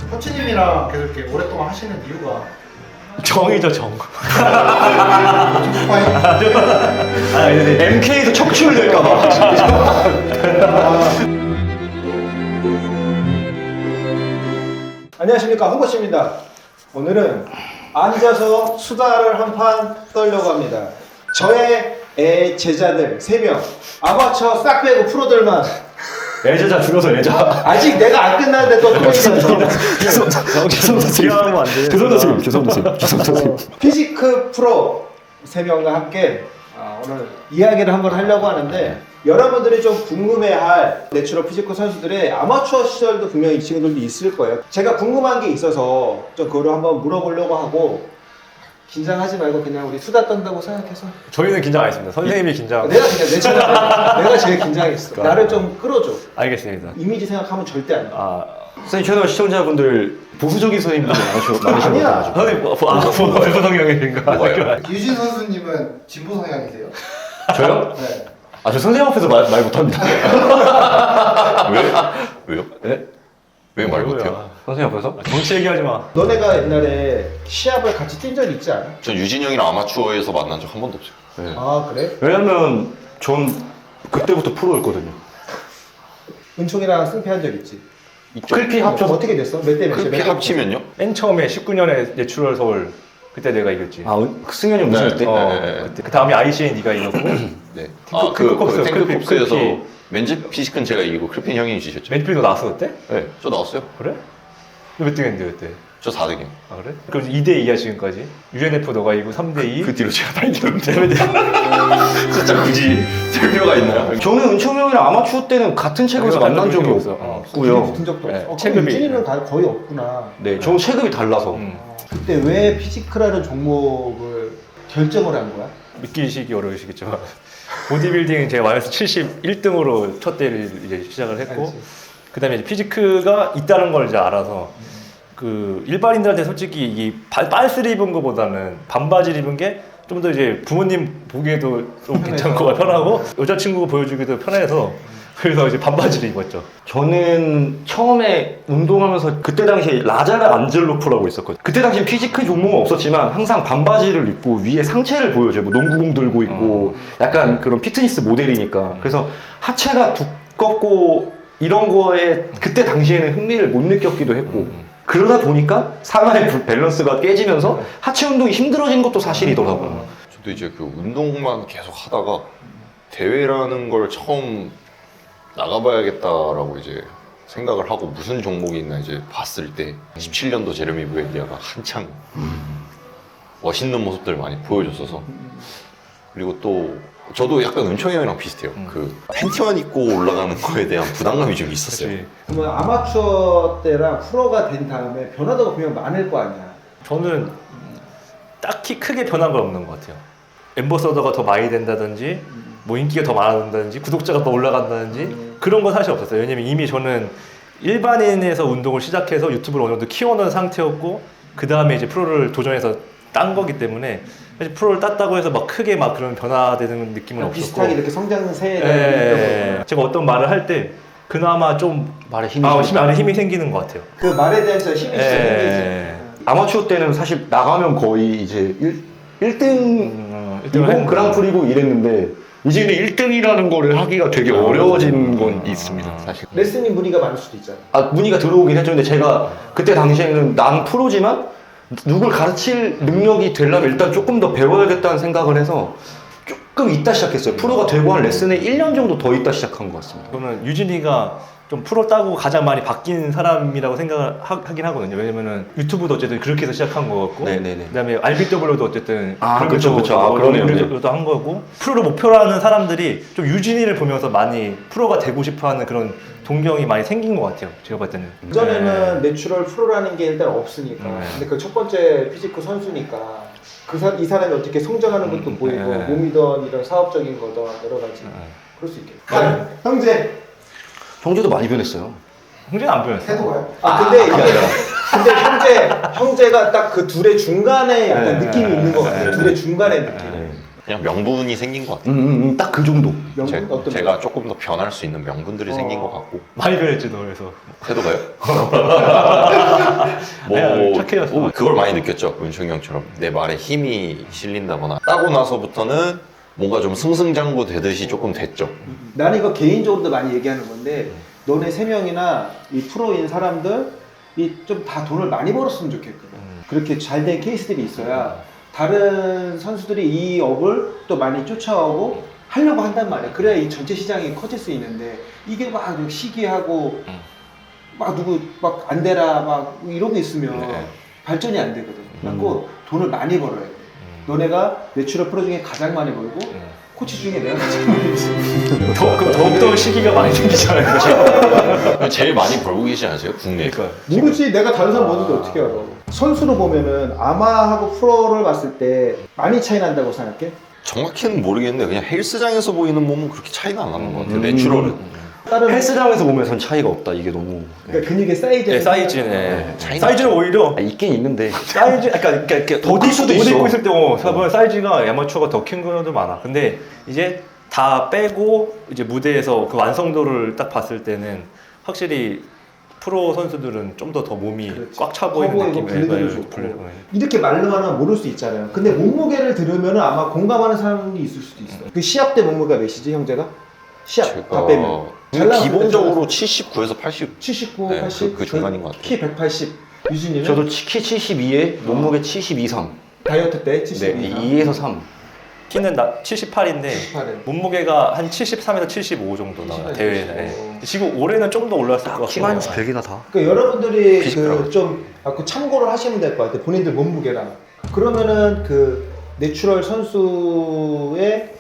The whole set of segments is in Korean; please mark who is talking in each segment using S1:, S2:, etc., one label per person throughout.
S1: 코치님이랑 계속 이렇게 오랫동안 하시는 이유가
S2: 정이죠, 정.
S1: 스파이?
S2: MK에서 척출될까봐.
S3: 안녕하십니까, 홍보씨입니다. 오늘은 앉아서 수다를 한 판 떨려고 합니다. 저의 제자들 3명, 아마추어 싹 빼고 프로들만.
S2: 애자자 줄여서 애자.
S3: 아직 내가 안 끝났는데 또 프로이잖아.
S2: 죄송합니다.
S3: 피지크 프로 3명과 함께 오늘 이야기를 한번 하려고 하는데, 여러분들이 좀 궁금해할 내추럴 피지크 선수들의 아마추어 시절도 분명히 이 친구들도 있을 거예요. 제가 궁금한 게 있어서 좀 그거를 한번 물어보려고 하고, 긴장하지 말고 그냥 우리 수다 떤다고 생각해서.
S2: 저희는 긴장 안 했습니다. 선생님이 긴장.
S3: 내가 그냥 내 차례 내가 제일 긴장했어. 나를 좀 끌어줘.
S2: 알겠습니다.
S3: 이미지 생각하면 절대 안 돼.
S4: 선생님 채널 시청자분들 보수적인 선생님들 많으신 것 같아요.
S2: 선생님, 보수 성향인가?
S1: 유진 선수님은 진보 성향이세요?
S4: 저요?
S1: 네.
S4: 저 선생님 앞에서 말 못합니다.
S5: 왜요?
S4: 네?
S5: 왜 말 못해요?
S4: 선생님 앞에서?
S2: 정치 얘기하지 마.
S3: 너네가 옛날에 시합을 같이 뛴 적 있지 않아?
S5: 전 유진 형이랑 아마추어에서 만난 적 한 번도 없어요.
S4: 네.
S3: 아, 그래?
S4: 왜냐면 전 그때부터 프로였거든요.
S3: 은총이랑 승패한 적 있지?
S4: 클피
S3: 좀
S4: 합쳐서
S3: 어떻게 됐어? 몇 대 몇이야?
S5: 그 피 합치면요?
S2: 맨 처음에 19년에 내추럴 서울 그때 내가 이겼지.
S4: 승현이 우승할 때?
S5: 네.
S2: 그때 그 다음에 ICN 네가 이겼고.
S5: 네.
S2: 탱크콥스,
S5: 탱크콥스에서
S2: 클피.
S5: 맨즈 피지크는 제가 이기고 클핀 형이 이기셨죠.
S2: 맨필도 나왔어 그때?
S5: 네. 저 나왔어요.
S2: 그래? 너 몇 등했는데 그때?
S5: 저 4등이요.
S2: 아 그래? 그럼 2대2야 지금까지? UNF 너가 이기고 3대2?
S5: 그 뒤로 제가 많이 들었는데. 진짜 굳이 될 필요가 있나요?
S4: 저는 은총 형이랑 아마추어 때는 같은 체급에서 만난 적이
S2: 없어.
S4: 없고요.
S3: 붙은 적도
S2: 네,
S3: 없어.
S2: 체급이-
S3: 유진이는 거의 없구나.
S4: 네, 저는 체급이 달라서.
S3: 그때 왜 피지크라는 종목을 결정을 한 거야?
S2: 믿기시기 어려우시겠지만 보디빌딩 제가 마이너스 71등으로 첫 대를 이제 시작을 했고,
S3: 알지.
S2: 그 다음에 있다는 걸 이제 알아서 그 일반인들한테 솔직히 이 빨스를 입은 것보다는 반바지를 입은 게 좀 더 이제 부모님 보기에도 좀 괜찮고 편하고 여자친구가 보여주기도 편해서 그래서 이제 반바지를 입었죠.
S4: 저는 처음에 운동하면서 그때 당시에 라자르 안젤로프라고 있었거든요. 그때 당시 피지크 종목은 없었지만 항상 반바지를 입고 위에 상체를 보여줘요. 뭐 농구공 들고 있고 약간 그런 피트니스 모델이니까. 그래서 하체가 두껍고 이런 거에 그때 당시에는 흥미를 못 느꼈기도 했고, 그러다 보니까 상하의 밸런스가 깨지면서 하체 운동이 힘들어진 것도 사실이더라고요.
S5: 저도 이제 그 운동만 계속 하다가 대회라는 걸 처음 나가봐야겠다라고 이제 생각을 하고 무슨 종목이 있나 이제 봤을 때 17년도 제레미 부에디아가 한창 멋있는 모습들을 많이 보여줬어서, 그리고 또 저도 약간 은총이 형이랑 비슷해요. 그 팬티만 입고 올라가는 거에 대한 부담감이 좀 있었어요.
S2: 그치.
S3: 그러면 아마추어 때랑 프로가 된 다음에 변화도가 분명 많을 거 아니야.
S2: 저는 딱히 크게 변한 건 없는 것 같아요. 엠버서더가 더 많이 된다든지 뭐 인기가 더 많아진다든지 구독자가 더 올라간다든지 그런 건 사실 없었어요. 왜냐면 이미 저는 일반인에서 운동을 시작해서 유튜브를 어느 정도 키워놓은 상태였고, 그 다음에 이제 프로를 도전해서 딴 거기 때문에 사실 프로를 땄다고 해서 막 크게 막 그런 변화되는 느낌은 없었고,
S3: 비슷하게 이렇게 성장세를
S2: 예, 제가 어떤 말을 할 때 그나마 좀
S4: 말에 힘이
S2: 안에 힘이 생기는 것 같아요.
S3: 그 말에 대한 저 힘이
S2: 예.
S3: 생기지.
S4: 아마추어 때는 사실 나가면 거의 이제 1등 이번 그랑프리고 이랬는데, 이제는 1등이라는 거를 하기가 되게 어려워진 건 있습니다, 사실.
S3: 레슨이 문의가 많을 수도 있잖아.
S4: 문의가 들어오긴 했죠. 근데 제가 그때 당시에는 난 프로지만 누굴 가르칠 능력이 되려면 일단 조금 더 배워야겠다는 생각을 해서 조금 있다 시작했어요. 프로가 되고 한 레슨에 1년 정도 더 있다 시작한 것 같습니다.
S2: 저는 유진이가 좀 프로 따고 가장 많이 바뀐 사람이라고 생각을 하긴 하거든요. 왜냐면은 유튜브도 어쨌든 그렇게 해서 시작한 거였고,
S4: 네네네.
S2: 그다음에 RBW도 어쨌든
S4: 그쵸. 그러네요.
S2: 그러도 한 거고, 프로를 목표로 하는 사람들이 좀 유진이를 보면서 많이 프로가 되고 싶어하는 그런 동경이 많이 생긴 것 같아요. 제가 봤을 때는.
S3: 그전에는 내추럴 프로라는 게 일단 없으니까. 근데 그 첫 번째 피지크 선수니까 이 사람이 어떻게 성장하는 것도 보이고, 몸이든 이런 사업적인 거든 여러 가지 그럴 수 있겠다. 형제.
S4: 형제도 많이 변했어요.
S2: 형제는 안 변했어.
S3: 태도가요? 근데 형제가 딱 그 둘의 중간에 약간 느낌이 있는 것 같아요. 둘의 중간의 느낌.
S5: 그냥 명분이 생긴 것 같아요.
S4: 딱 그 정도.
S3: 어떤
S5: 제가 조금 더 변할 수 있는 명분들이 생긴 것 같고.
S2: 많이 변했지 너 그래서.
S5: 태도가요?
S2: 상쾌해졌어.
S5: 그걸 많이 느꼈죠. 은총이 형처럼 내 말에 힘이 실린다거나 따고 나서부터는 뭔가 좀 승승장구 되듯이 조금 됐죠.
S3: 나는 이거 개인적으로도 많이 얘기하는 건데 너네 세 명이나 이 프로인 사람들이 좀 다 돈을 많이 벌었으면 좋겠거든. 그렇게 잘 된 케이스들이 있어야 다른 선수들이 이 업을 또 많이 쫓아오고 하려고 한단 말이야. 그래야 이 전체 시장이 커질 수 있는데 이게 막 시기하고 막 누구 막 안 되라 막 이런 게 있으면
S5: 네.
S3: 발전이 안 되거든. 그래서 돈을 많이 벌어야 돼. 너네가 내추럴 프로 중에 가장 많이 벌고 코치 중에 내가 가장 많이 벌지.
S2: 더욱더 시기가 많이 생기잖아요.
S5: 제일 많이 벌고 계시지 않으세요? 국내에서?
S2: 그러니까.
S3: 모르지. 내가 다른 사람 보는데 어떻게 알아. 선수로 보면은 아마하고 프로를 봤을 때 많이 차이 난다고 생각해?
S5: 정확히는 모르겠는데 그냥 헬스장에서 보이는 몸은 그렇게 차이가 안 나는 것 같아요. 내추럴은.
S3: 다른
S4: 헬스장에서 보면 전 차이가 없다. 이게 너무
S3: 그러니까 근육의 사이즈.
S2: 네, 사이즈네.
S5: 차이가
S2: 사이즈는 오히려
S4: 있긴 있는데
S2: 사이즈, 그러니까 이렇게
S4: 더 클 수도
S2: 옷
S4: 있어.
S2: 입고 있을 때 보면 사이즈가 아마추어가 더 큰 경우도 많아. 근데 이제 다 빼고 이제 무대에서 그 완성도를 딱 봤을 때는 확실히 프로 선수들은 좀 더 몸이
S3: 그렇지.
S2: 꽉 차 보이는
S3: 커 보이고
S2: 느낌이
S3: 분리도 좋고. 이렇게 말로만 하면 모를 수 있잖아요. 근데 몸무게를 들으면 아마 공감하는 사람이 있을 수도 있어. 그 시합 때 몸무게가 몇이지 형제가? 시합 다 빼면. 잘 나왔을 때
S5: 기본적으로 79에서 80.
S3: 79,
S5: 네,
S3: 80.
S5: 그 중간인 것 같아요.
S3: 키 180. 유진이는?
S4: 저도 키 72에 몸무게 72, 3.
S3: 다이어트 때 72.
S4: 네, 2에서 3.
S2: 키는 78인데
S3: 78에.
S2: 몸무게가 한 73에서 75 정도 나와요
S3: 78,
S2: 대회에.
S3: 75.
S2: 네. 지금 올해는 좀 더 올랐을 것 같아요.
S4: 키 마이너스 100이나 다.
S3: 그러니까 여러분들이
S5: 피지컬하고.
S3: 그 참고를 하시면 될 것 같아요. 본인들 몸무게랑. 그러면은 그 내추럴 선수의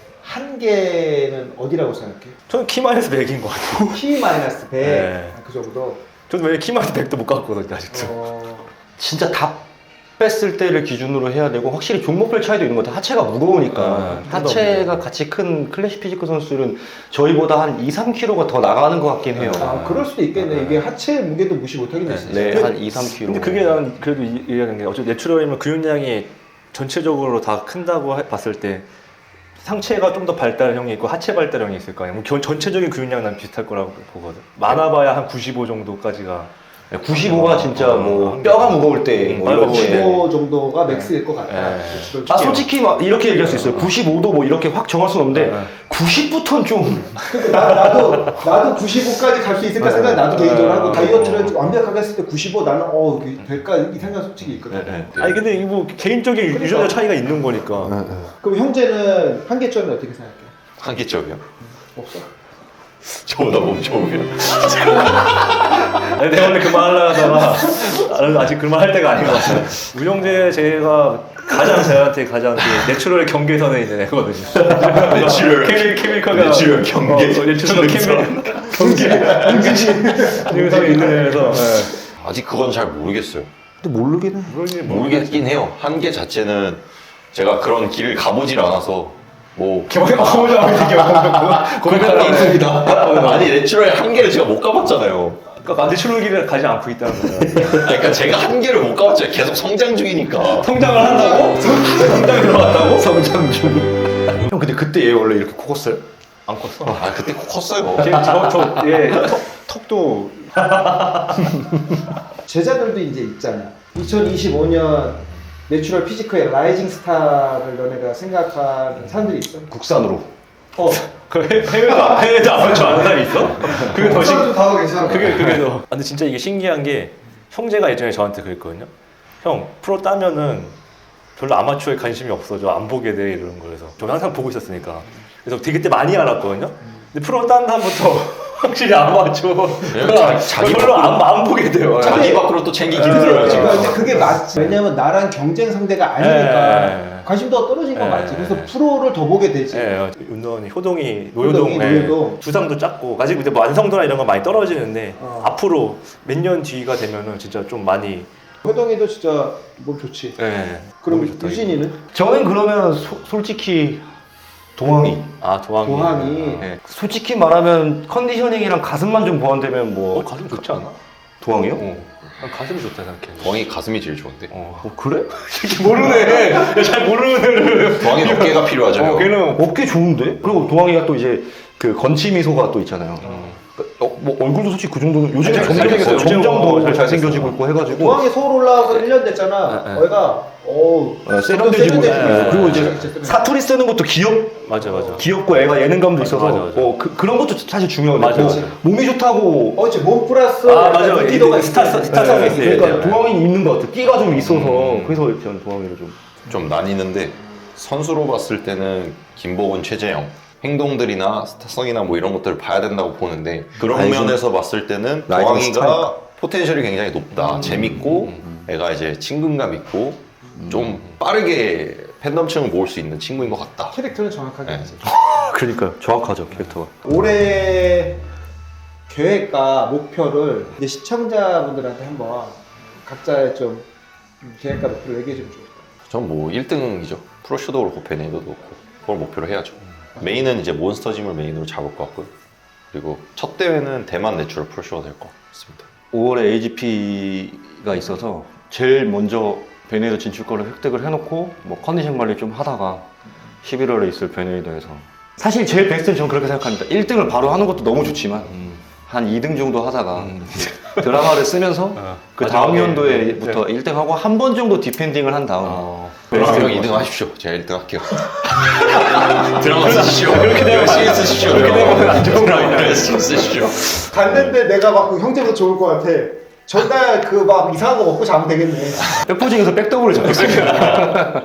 S3: 한계는 어디라고 생각해?
S2: 저는 키 마이너스 100인 것 같아요.
S3: T 마이너스 100.
S2: 네.
S3: 그 정도.
S2: 저는 왜 키 마이너스 100도 못 갔거든요 아직도.
S4: 진짜 다 뺐을 때를 기준으로 해야 되고 확실히 종목별 차이도 있는 것 같아요. 하체가 무거우니까
S2: 좀더
S4: 하체가 같이 큰 클래식 피지컬 선수들은 저희보다 한 2, 3kg가 더 나가는 것 같긴 해요.
S3: 아, 그럴 수도 있겠네. 이게 하체 무게도 무시 못하겠네. 진짜.
S4: 네, 한 2, 3kg.
S2: 근데 그게 나는 그래도 이해하는 게 어차피 내추럴이면 근육량이 전체적으로 다 큰다고 봤을 때 상체가 좀 더 발달형이 있고 하체 발달형이 있을 거 아니에요. 전체적인 근육량 난 비슷할 거라고 보거든. 많아봐야 한 95 정도까지가
S4: 95가 진짜 뭐 뼈가 무거울 때뭐
S2: 맞아요.
S4: 이런 거에
S3: 95 정도가 맥스일 것 같다.
S2: 네.
S3: 내추럴
S4: 아 솔직히 막 이렇게 얘기할 수 있어요. 95도 뭐 이렇게 확 정할 수는 없는데 90부터는 좀
S3: 나도 95까지 갈 수 있을까 생각 나도 개인적으로 하고 다이어트를 완벽하게 했을 때 95 나는 이게 될까 이 생각 솔직히 있거든.
S2: 아니 근데 이거 뭐 개인적인 유전자 차이가 있는 거니까.
S3: 그럼 형제는 한계점이 어떻게 생각해?
S5: 한계점이요?
S3: 없어?
S5: 저보다 몸 좋으면.
S2: 아니, 내가 오늘 그 말 하려고 하다가 아직 그 말 할 때가 아닌 것 같아요. 우영재 제가 가장 저한테 가장 그 내추럴 경계선에 있는 애거든요.
S5: 내추럴
S2: 케미컬가
S5: 내추럴 경계.
S2: 내추럴 경계선에 있는 애라서.
S5: 아직 그건 잘 모르겠어요.
S4: 근데 모르긴 해.
S5: 모르겠긴 해요. 한계 자체는 제가 그런 길을 가보질 않아서 뭐 아니 내추럴의 한계를 제가 못 가봤잖아요.
S2: 그러니까 내추럴 길을 가지 않고 있다는 거예요.
S5: 그러니까 제가 한계를 못 가봤잖아요. 계속 성장 중이니까.
S2: 성장을 한다고? 성장이 들어갔다고?
S4: 성장 중. 형 근데 그때 얘 원래 이렇게 코 컸어요?
S2: 안 컸어.
S5: 아 그때 코 컸어요.
S2: 턱도
S3: 제자들도 이제 있잖아. 2025년 내추럴 피지컬의 라이징 스타를 너네가 생각하는 사람들이 있어?
S4: 국산으로.
S2: 그 해외도 아마추어 아는 사람이 있어? 그게 더
S1: 좀 다하고 괜찮아.
S2: 그게 더. 아, 근데 진짜 이게 신기한 게 형제가 예전에 저한테 그랬거든요. 형 프로 따면은 별로 아마추어에 관심이 없어져 안 보게 돼 이러는 거여서 저는 항상 보고 있었으니까 그래서 되게 그때 많이 알았거든요. 근데 프로 딴 다음부터 확실히 아마추어가
S5: 자기
S2: 별로 안 보게 돼요.
S5: 자기 밖으로 또 챙기기 힘들어요 지금.
S3: 근데 그게 맞지. 왜냐면 나랑 경쟁 상대가 아니니까 관심도가 떨어진 건 맞지. 그래서 프로를 더 보게 되지.
S2: 예, 운동이 효동이 노효동
S3: 노효동.
S2: 두상도 작고 아직 근데 뭐 완성도나 이런 건 많이 떨어지는데
S3: 어.
S2: 앞으로 몇 년 뒤가 되면은 진짜 좀 많이
S3: 효동이도 진짜 몸 좋지. 그럼
S2: 몸이 좋다,
S3: 유진이는?
S4: 저는 그러면 솔직히 동항이.
S2: 아 도항이.
S3: 도항이.
S2: 예.
S4: 솔직히 말하면 컨디셔닝이랑 가슴만 좀 보완되면 뭐
S2: 가슴 좋지 않아?
S4: 동항이요?
S2: 난 가슴이 좋다 생각해.
S5: 도항이 가슴이 제일 좋은데.
S4: 그래?
S2: 모르네. 잘 모르는 애를.
S5: 도항이 어깨가 필요하잖아요.
S2: 걔는
S4: 어깨 좋은데? 그리고 동항이가 또 이제 그 건치 미소가 또 있잖아요. 뭐 얼굴도 솔직히 그 정도는 요즘에
S2: 잘
S4: 점점
S2: 생겼어요.
S4: 점점도
S2: 잘
S4: 잘생겨지고 있고 해가지고
S3: 공항에 서울 올라와서 1년 됐잖아.
S2: 네, 네.
S3: 거기가
S4: 세련되지고
S3: 세련되지고.
S4: 그리고 이제
S3: 진짜 세련되지고.
S4: 사투리 쓰는 것도
S2: 맞아.
S4: 귀엽고 애가 예능감도 있어서
S2: 맞아.
S4: 그런 것도 사실 중요하고
S2: 맞아.
S4: 몸이 좋다고
S3: 그렇지 몸 플러스
S2: 맞아.
S3: 인기도가
S2: 스타성이 있어요.
S4: 그러니까 도항이 있는 것 같아. 끼가 좀 있어서 그래서 저는 도항이를
S5: 좀 나뉘는데 선수로 봤을 때는 김보건, 최재영 행동들이나 스타성이나 뭐 이런 것들을 봐야 된다고 보는데 그런
S4: 알죠.
S5: 면에서 봤을 때는
S4: 라이징
S5: 도항이가 포텐셜이 굉장히 높다. 재밌고 애가 이제 친근감 있고 좀 빠르게 팬덤층을 모을 수 있는 친구인 것 같다.
S3: 캐릭터는 정확하게
S5: 네.
S3: 알지.
S4: 그러니까요. 정확하죠 캐릭터가.
S3: 올해 계획과 목표를 이제 시청자분들한테 한번 각자의 좀 계획과 목표를 얘기해 주면 좋을 것 같아요.
S5: 전 뭐 1등이죠. 프로쇼도 그렇고 베네이더도 그렇고 그걸 목표로 해야죠. 메인은 이제 몬스터짐을 메인으로 잡을 것 같고요. 그리고 첫 대회는 대만 내추럴 프로쇼가 될 것 같습니다.
S4: 5월에 AGP가 있어서 제일 먼저 베네이더 진출권을 획득을 해놓고 뭐 컨디션 관리 좀 하다가 11월에 있을 베네이더에서 사실 제일 베스트는 저는 그렇게 생각합니다. 1등을 바로 하는 것도 너무 좋지만 한 2등 정도 하다가 드라마를 쓰면서 그 다음
S2: 마지막에
S4: 연도에부터 1등하고 한 번 정도 디펜딩을 한 다음
S5: 드라마 2등 하십시오. 제가 1등 할게요. 드라마 쓰십시오. 열심히 쓰십시오.
S2: 그렇게 되면 안 좋은 거
S5: 드라마
S2: 아니야.
S5: 열심히 쓰십시오.
S3: 갔는데 내가 막 형제보다 좋을 것 같아. 전날 그 막 이상한 거 먹고 자면 되겠네.
S4: 백포징에서 백더블을 잡혔습니다.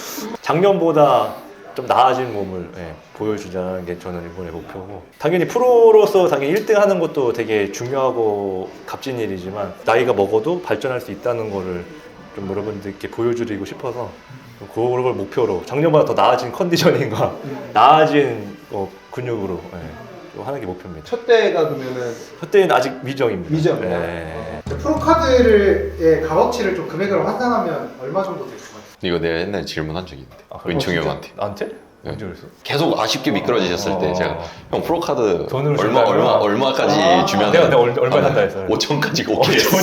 S2: 작년보다 좀 나아진 몸을 보여주자는 게 저는 이번에 목표고 당연히 프로로서 당연히 1등 하는 것도 되게 중요하고 값진 일이지만 나이가 먹어도 발전할 수 있다는 거를 좀 여러분들께 보여드리고 싶어서 그걸 목표로 작년보다 더 나아진 컨디셔닝과 나아진 근육으로 좀 하는 게 목표입니다.
S3: 첫 대가 그러면은
S2: 그때는 아직 미정입니다.
S3: 미정이요?
S2: 네.
S1: 프로카드의 값어치를 좀 금액으로 환산하면 얼마 정도 될 것 같아요?
S5: 이거 내가 옛날에 질문한 적이 있는데 은총이 형한테
S2: 나한테? 언제 그랬어?
S5: 계속 아쉽게 미끄러지셨을 때 제가 형 프로카드
S2: 돈으로 준다고요?
S5: 얼마까지 주면
S2: 내가 얼마 산다 했어요.
S5: 5천까지 오케이 했어.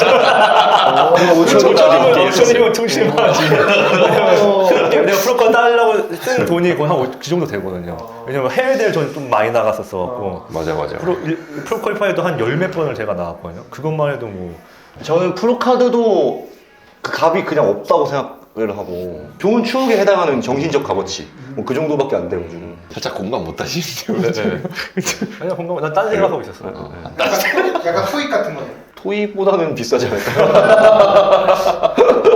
S2: 5천이면 통신하지. 내가 프로카 따려고 쓴 돈이 거의 한 그 정도 되거든요. 왜냐면 해외 대회 저는 좀 많이 나갔었어갖고
S5: 맞아.
S2: 프로 퀄리파이도 한 열 몇 번을 제가 나갔거든요. 그것만 해도 뭐
S4: 저는 프로카드도 그 값이 그냥 없다고 생각을 하고 좋은 추억에 해당하는 정신적 값어치 뭐 그 정도밖에 안 돼가지고
S5: 살짝 공감 못 하시는데요.
S2: 아니야 건강 난딴 생각하고 있었어요. 네.
S1: 약간 토익 같은 거예요.
S4: 토익보다는 비싸지 않을까.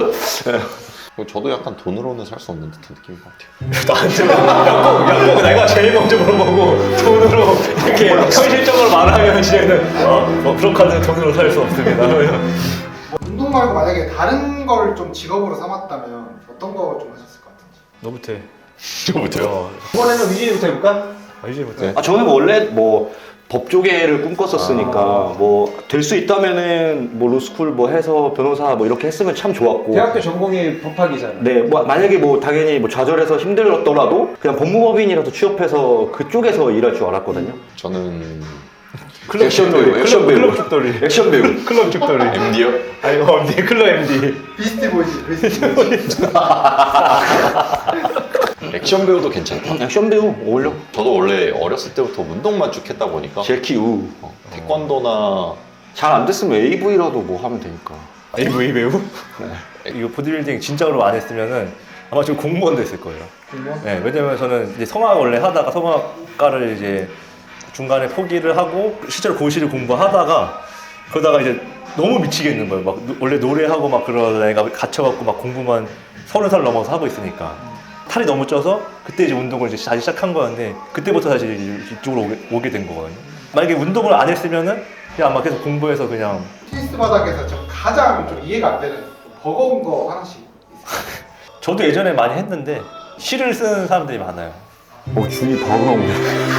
S5: 저도 약간 돈으로는 살 수 없는 듯한 느낌인 것 같아요.
S2: 나한테 꼭 내가 제일 먼저 물어보고 돈으로 이렇게 현실적으로 말하면 이제는 프로카드는 돈으로 살 수 없습니다.
S1: 운동 말고 만약에 다른 걸 좀 직업으로 삼았다면 어떤 거 좀 하셨을 것 같은지.
S2: 너부터
S5: 저부터요.
S3: 이번에는 위진이부터 해볼까?
S2: 이제부터
S5: 네.
S4: 저는 원래 뭐 법조계를 꿈꿨었으니까 뭐 될 수 있다면은 뭐 로스쿨 뭐 해서 변호사 뭐 이렇게 했으면 참 좋았고.
S3: 대학교 전공이 법학이잖아.
S4: 네, 뭐 만약에 뭐 당연히 뭐 좌절해서 힘들었더라도 그냥 법무법인이라도 취업해서 그쪽에서 일할 줄 알았거든요.
S5: 저는
S4: 액션 배우, 액션 배우,
S2: 클럽 죽돌이.
S4: 액션 배우.
S2: 클럽 죽돌이.
S5: MD요?
S2: 아니 MD 클럽 MD.
S1: 비스티 보이즈.
S5: 액션 배우도 괜찮다.
S4: 액션 배우 어울려.
S5: 저도 원래 어렸을 때부터 운동만 쭉 했다 보니까
S4: 제키 우.
S5: 태권도나
S4: 잘 안 됐으면 AV라도 뭐 하면 되니까.
S2: AV 배우? 이거 보디빌딩 진짜로 안 했으면은 아마 지금 공무원 됐을 거예요.
S3: 공무원?
S2: 네, 왜냐면 저는 이제 성악 원래 하다가 성악과를 이제 중간에 포기를 하고 실제로 고시를 공부하다가 그러다가 이제 너무 미치겠는 거예요. 막 원래 노래하고 막 그러다 애가 갇혀갖고 막 공부만 30살 넘어서 하고 있으니까 탈이 너무 쪄서 그때 이제 운동을 이제 다시 시작한 거였는데 그때부터 다시 이쪽으로 오게 된 거거든요. 만약에 운동을 안 했으면은 그냥 아마 계속 공부해서 그냥
S1: 테니스 바닥에서 좀 가장 좀 이해가 안 되는 버거운 거 하나씩 있어요.
S2: 저도 예전에 많이 했는데 시를 쓰는 사람들이 많아요.
S4: 준이 바로 나오네.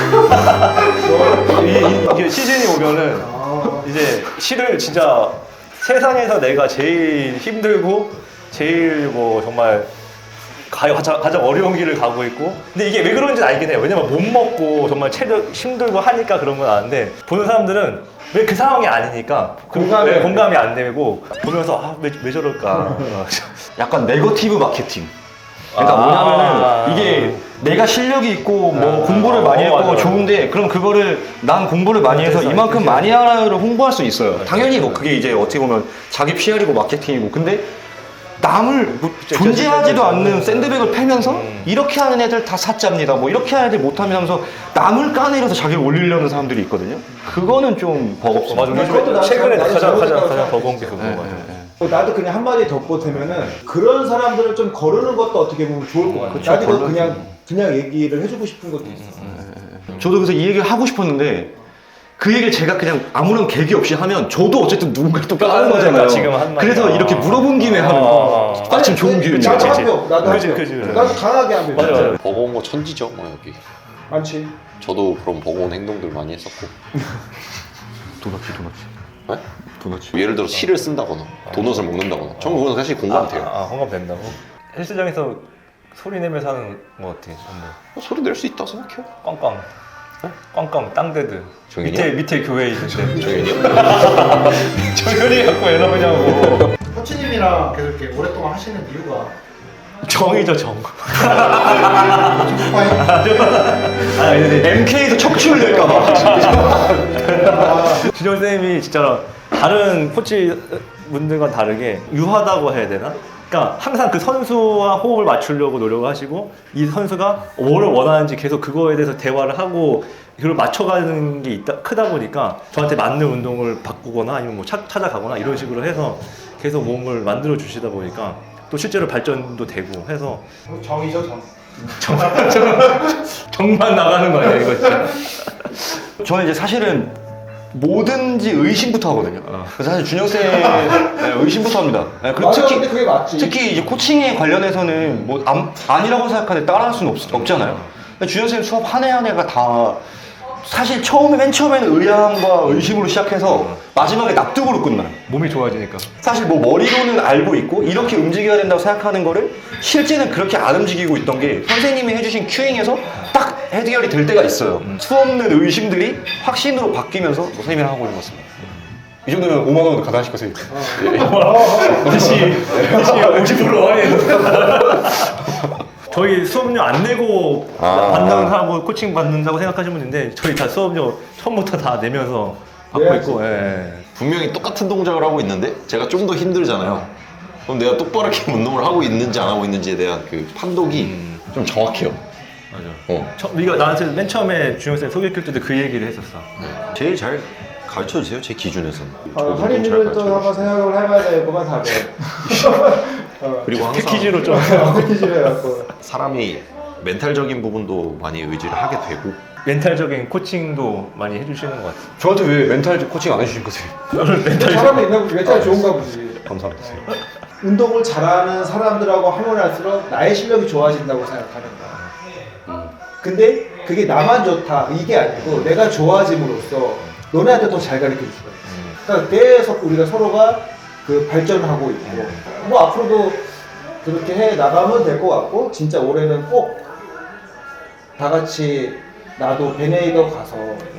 S2: 이게 시즌이 오면은 이제 시를 진짜 세상에서 내가 제일 힘들고 제일 뭐 정말 가장 어려운 길을 가고 있고 근데 이게 왜 그런지 알긴 해요. 왜냐면 못 먹고 정말 체력 힘들고 하니까 그런 건 아는데 보는 사람들은 왜 그 상황이 아니니까 공감이 안 되고 보면서 왜 저럴까.
S4: 약간 네거티브 마케팅. 그러니까 뭐냐면은 이게 내가 실력이 있고 뭐 공부를 많이 했고
S2: 맞아.
S4: 좋은데 그럼 그거를 난 공부를 많이 해서 이만큼 많이 하나를 홍보할 수 있어요. 당연히 뭐 그게 이제 어떻게 보면 자기 PR이고 마케팅이고 근데 남을 뭐 존재하지도 않는 샌드백을 패면서 이렇게 하는 애들 다 사짜입니다. 뭐 이렇게 하는 애들 못하면서 남을 까내려서 자기를 올리려는 사람들이 있거든요. 그거는 좀 버겁습니다.
S2: 맞아.
S3: 그것도 나도
S2: 최근에
S3: 나도
S2: 가장
S3: 잘못했다고
S2: 버거운 게 그거 같아.
S3: 나도 그냥 한마디 덧보태면은 그런 사람들을 좀 거르는 것도 어떻게 보면 좋을 것 같아.
S4: 그쵸,
S3: 나도 이거
S4: 걸러야지.
S3: 그냥 얘기를 해주고 싶은 것도 있어.
S4: 저도 그래서 이 얘기를 하고 싶었는데 그 얘기를 제가 그냥 아무런 계기 없이 하면 저도 어쨌든 누군가를 또 까는 거잖아요.
S2: 지금 한 말이야.
S4: 그래서 이렇게 물어본 김에 하는 거. 마침 좋은 기회인
S3: 나도
S4: 거지.
S3: 한 명, 나도 한
S2: 그치,
S3: 명.
S2: 그치.
S3: 나도 강하게 한 명.
S2: 맞아, 맞아.
S5: 버거운 거 천지죠, 뭐 여기.
S3: 많지.
S5: 저도 그런 버거운 행동들 많이 했었고.
S4: 도넛이.
S5: 네?
S4: 도넛이.
S5: 예를 들어 실을 쓴다거나 도넛을 먹는다거나. 전 그건 사실 공감돼요.
S2: 공감된다고? 헬스장에서 소리 내면서 하는 거 같아.
S5: 소리 낼 수 있다 생각해요.
S2: 꽝꽝. 꽝꽝 땅데드.
S5: 정현이요?
S2: 밑에 교회에 있는데.
S5: 정현이요?
S2: 정현이 갖고 왜 나오냐고.
S1: 코치님이랑 계속 이렇게 오랫동안 하시는 이유가
S2: 정이죠 정.
S1: 초코파이?
S4: MK에서 척추를 낼까봐.
S2: 준영 쌤이 진짜 다른 코치 분들과 다르게 유하다고 해야 되나? 그러니까 항상 그 선수와 호흡을 맞추려고 노력을 하시고 이 선수가 뭐를 원하는지 계속 그거에 대해서 대화를 하고 그걸 맞춰가는 게 크다 보니까 저한테 맞는 운동을 바꾸거나 아니면 뭐 찾아가거나 이런 식으로 해서 계속 몸을 만들어 주시다 보니까 또 실제로 발전도 되고 해서
S1: 정이죠 정.
S2: 정만 나가는 거 아니야 이거 진짜.
S4: 저는 이제 사실은 뭐든지 의심부터 하거든요. 그래서 사실 준영 쌤 의심부터 합니다. 네, 그리고
S3: 맞아, 근데 그게 맞지.
S4: 특히 이제 코칭에 관련해서는 뭐 아니라고 생각하는데 따라할 수는 없잖아요. 근데 준영 쌤 수업 한 해 한 해가 다 사실 맨 처음에는 의아함과 의심으로 시작해서 마지막에 납득으로 끝나요.
S2: 몸이 좋아지니까.
S4: 사실 뭐 머리로는 알고 있고 이렇게 움직여야 된다고 생각하는 거를 실제는 그렇게 안 움직이고 있던 게 선생님이 해주신 큐잉에서 딱 해결이 될 때가 있어요. 수없는 의심들이 확신으로 바뀌면서 뭐 선생님이랑 하고 있는 것 같습니다. 이 정도면 5만 원 가져가실 거세요.
S2: 다시 50% 할인. 저희 수업료 안 내고 받는다고 코칭 받는다고 생각하시는 분인데 저희 다 수업료 처음부터 다 내면서 받고
S3: 내야지.
S2: 있고. 예.
S5: 분명히 똑같은 동작을 하고 있는데 제가 좀 더 힘들잖아요. 그럼 내가 똑바르게 운동을 하고 있는지 안 하고 있는지에 대한 그 판독이 좀 정확해요.
S2: 맞아. 네가 나한테 맨 처음에 준영 쌤 소개할 때도 그 얘기를 했었어.
S5: 제일 잘 가르쳐 주세요, 제 기준에서는.
S3: 할인율은 또 한번 생각을 해봐야 되겠구만 다들.
S5: 그리고 항상
S2: 패키지로 좀.
S3: 패키지로 해갖고.
S5: 사람이 멘탈적인 부분도 많이 의지를 하게 되고
S2: 멘탈적인 코칭도 많이 해주시는 것 같아요.
S4: 저한테 왜 멘탈 코칭 안 해주신 거세요?
S3: 사람이 있나 보지. 멘탈이 좋은가 보지.
S4: 감사합니다.
S3: 운동을 잘하는 사람들하고 하면 할수록 나의 실력이 좋아진다고 생각하는 거야. 근데 그게 나만 좋다 이게 아니고 내가 좋아짐으로써 너네한테 더 잘 가르쳐 줄 수가 있어. 그러니까 계속 우리가 서로가 그 발전하고 있고 뭐 앞으로도 그렇게 해 나가면 될 것 같고 진짜 올해는 꼭 다 같이 나도 베네이더 가서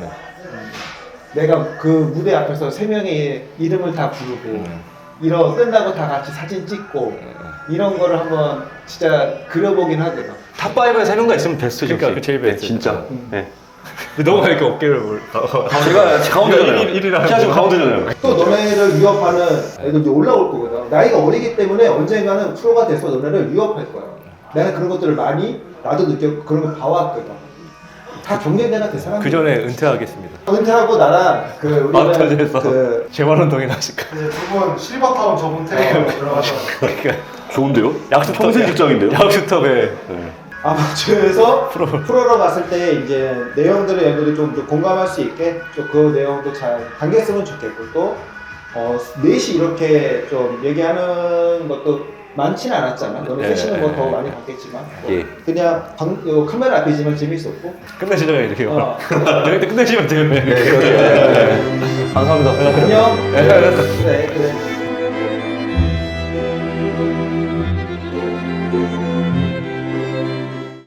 S3: 내가 그 무대 앞에서 세 명의 이름을 다 부르고 이런 끝나고 다 같이 사진 찍고 이런 거를 한번 진짜 그려보긴 하거든.
S4: 탑5에 3명가 있으면 베스트죠.
S2: 그러니까 그 제일 베스트.
S4: 네, 진짜. 네.
S2: 너가 이렇게 어깨를
S4: 제가 가운데잖아요.
S2: 일이라
S4: 제가 지금 가운데잖아요.
S3: 또 너네를 위협하는 애들 이제 올라올 거거든. 나이가 어리기 때문에 언젠가는 프로가 돼서 너네를 위협할 거야. 내가 그런 것들을 많이 나도 느꼈고 그런 걸 봐왔거든. 다 경쟁자가 될 사람.
S2: 그 전에 은퇴하겠습니다.
S3: 은퇴하고 나랑 그 우리는
S2: 마라톤에서
S3: 그
S2: 재활운동이나 하실까?
S1: 이제 두분 실버타운 저분 트레이너로 들어가서
S2: 그러니까
S4: 좋은데요?
S2: 약수터
S4: 평생 직장인데요?
S2: 약수터에
S3: 아마추어에서 프로로 갔을 때 이제 내용들을 얘들이 좀 공감할 수 있게 좀 그 내용도 잘 당겼으면 좋겠고 또 넷이 이렇게 좀 얘기하는 것도 많지는 않았잖아. 너네 셋이는 뭐 더 많이 봤겠지만
S5: 예.
S3: 그냥 요 카메라 앞이지만 재밌었고
S2: 끝내시죠 이렇게요. 여기 때 끝내시면 돼요.
S4: 감사합니다.
S3: 안녕. 네, 그래.